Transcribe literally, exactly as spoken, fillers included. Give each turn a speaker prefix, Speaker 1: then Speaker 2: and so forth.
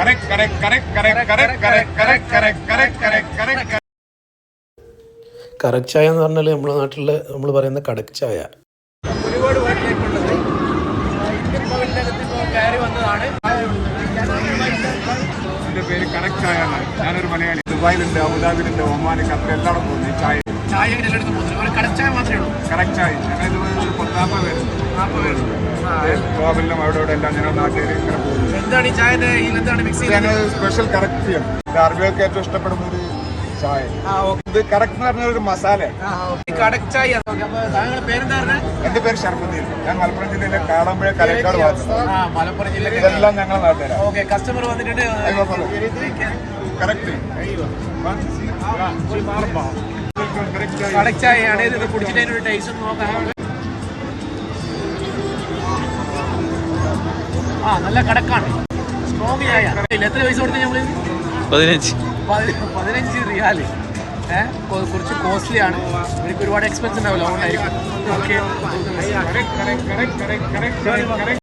Speaker 1: Correct ചായ എന്ന് പറഞ്ഞാൽ നമ്മുടെ നാട്ടിൽ നമ്മൾ പറയുന്ന കടക്ക് ചായ.
Speaker 2: ഒരുപാട് വാട്ടിലേക്കുള്ളത് ഇന്ത്യൻ പവലിനകത്ത് ഇപ്പോൾ കയറി വന്നതാണ്.
Speaker 3: എൻ്റെ പേര് കറക്റ്റ് ചായ ആണ്. ഞാനൊരു മലയാളി. ദുബായിലുണ്ട്, അബുദാബിയിലുണ്ട്, ഒമാന്, ഖത്തർ എല്ലായിടും പോകുന്നു ഈ ചായ.
Speaker 2: ചായ എല്ലായിടത്തും പോകുന്നത് ഒരു കടക്ക് ചായ മാത്രമേ ഉള്ളൂ.
Speaker 3: കറക്റ്റ് ചായ ഞങ്ങൾ ഇതുപോലെ ഒരു പത്താമ്പത് പേരുണ്ട്. നാൽപ്പത് പേരുണ്ട്. ഗോവയിലും അവിടെ ഇവിടെ എല്ലാം ഞങ്ങളുടെ നാട്ടിൽ ഇങ്ങനെ പോകുന്നു.
Speaker 2: എന്താണ് ഈ ചായൻ്റെ എന്താണ് മിക്സ് ചെയ്യുന്നത്?
Speaker 3: സ്പെഷ്യൽ കറക്റ്റ് ചെയ്യണം. അറബികൾക്ക് ഏറ്റവും ഇഷ്ടപ്പെടുന്ന ഒരു ചായ. ഇത് കറക്റ്റ് എന്ന് പറഞ്ഞ ഒരു മസാല.
Speaker 2: കടക്ക് ചായ. താങ്കളുടെ പേരെന്താ പറഞ്ഞത്?
Speaker 3: എന്റെ പേര് ഷർഫുദ്ദീൻ. ഞാൻ മലപ്പുറം ജില്ലയിലെ കാളമ്പുഴ കലക്കാട് ഭാഗത്ത്.
Speaker 2: മലപ്പുറം ജില്ലയിൽ
Speaker 3: ഇതെല്ലാം ഞങ്ങളുടെ നാട്ടുകാരാണ്.
Speaker 2: ഓക്കെ, കസ്റ്റമർ വന്നിട്ടുണ്ട്.
Speaker 3: കറക്റ്റ്
Speaker 2: കടക്ക് ചായയാണ്. ഇത് കുടിച്ചിട്ട് അതിനൊരു ടേസ്റ്റ് ഒന്ന് നോക്കാം. ആ, നല്ല കടക്കാണ്, സ്ട്രോങ് ചായ. എത്ര പൈസ കൊടുത്ത് നമ്മൾ?
Speaker 1: പതിനഞ്ച്
Speaker 2: പതിനഞ്ച് റിയാല്. ഏഹ് കുറച്ച് കോസ്റ്റ്ലി ആണ്. എനിക്ക് ഒരുപാട് എക്സ്പെൻസ് ഉണ്ടാവില്ല, അതുകൊണ്ടായിരിക്കും. ഓക്കെ.